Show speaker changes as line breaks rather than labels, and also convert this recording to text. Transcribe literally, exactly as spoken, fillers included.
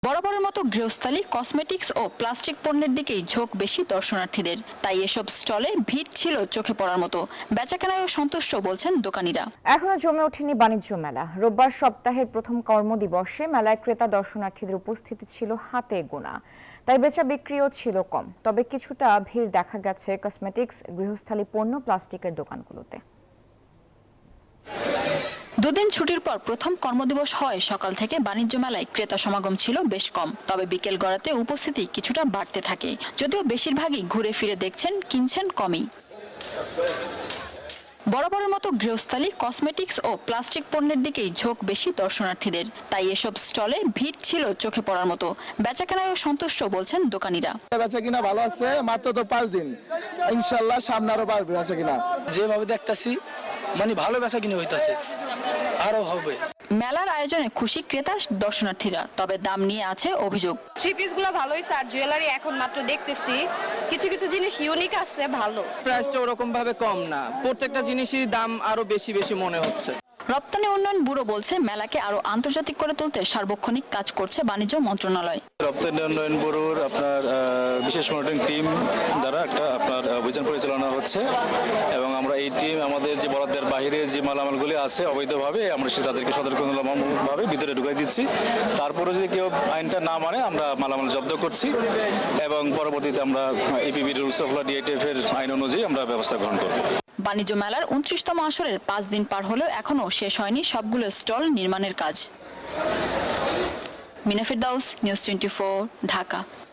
বরাবরের মতো গৃহস্থালী, কসমেটিক্স ও প্লাস্টিক পণ্যের দিকেই ঝোঁক বেশি দর্শনার্থীদের। তাই এসব স্টলে ভিড় ছিল চোখে পড়ার মতো। বেচাকেনায়ও সন্তুষ্ট বলছেন দোকানিরা।
এখনো জমে ওঠেনি বাণিজ্য মেলা। রোববার সপ্তাহের প্রথম কর্মদিবসে মেলায় ক্রেতা দর্শনার্থীদের উপস্থিতি ছিল হাতে গোনা, তাই বেচা বিক্রিও ছিল কম। তবে কিছুটা ভিড় দেখা গেছে কসমেটিক্স, গৃহস্থালী পণ্য, প্লাস্টিকের দোকানগুলোতে।
দুদিন ছুটির পর প্রথম কর্মদিবস হয় সকাল থেকে বাণিজ্য মেলায় ক্রেতা সমাগম ছিল বেশ কম। তবে বিকেল গড়াতে উপস্থিতি কিছুটা বাড়তে থাকে, যদিও বেশিরভাগই ঘুরে ফিরে দেখছেন, কিনছেন কমই। বরাবরের মতো গৃহস্থালী, কসমেটিক্স ও প্লাস্টিক পণ্যের দিকেই ঝোঁক বেশি দর্শনার্থীদের। তাই এসব স্টলে ভিড় ছিল চোখে পড়ার মতো। বেচাকেনায়ও সন্তুষ্ট বলছেন দোকানিরা।
বেচা কিনা ভালো আছে, মাত্র তো পাঁচ দিন, ইনশাল্লাহ সামনে আরো বাড়বে বেচা কিনা।
যেভাবে দেখতেছি মানে ভালো বেচা কিনে হইতাছে, আরো হবে।
মেলার আয়োজনে খুশি ক্রেতা দর্শনার্থীরা, তবে দাম নিয়ে আছে অভিযোগ।
থ্রি পিস গুলো ভালোই, স্যার জুয়েলারি এখন মাত্র দেখতেছি, কিছু কিছু জিনিস ইউনিক আছে, ভালো।
প্রাইসটা ওরকম ভাবে কম না, প্রত্যেকটা জিনিসের দাম আরো বেশি বেশি মনে হচ্ছে।
রপ্তানি উন্নয়ন ব্যুরো বলছে, মেলাকে আরো আন্তর্জাতিক করে তুলতে সার্বক্ষণিক কাজ করছে বাণিজ্য মন্ত্রণালয়।
রপ্তানি উন্নয়ন ব্যুরোর আপনার বিশেষ মনিটরিং টিম দ্বারা একটা আপনার অভিযান পরিচালনা হচ্ছে, এবং আমরা এই টিম আমাদের যে বরাদ্দের বাইরে যে মালামালগুলি আছে অবৈধভাবে আমরা সে তাদেরকে সতর্কতামূলকভাবে ভিতরে ঢুকাই দিচ্ছি। তারপরে যদি কেউ আইনটা না মানে আমরা মালামাল জব্দ করছি, এবং পরবর্তীতে আমরা APB rules of law DITF এর আইন অনুযায়ী আমরা ব্যবস্থা গ্রহণ করব।
বাণিজ্য মেলার উনত্রিশতম আসরের পাঁচ দিন পার হলেও এখনো শেষ হয়নি সবগুলো স্টল নির্মাণের কাজ। মিনা ফেরদাউস, নিউজ টোয়েন্টি ফোর, ঢাকা।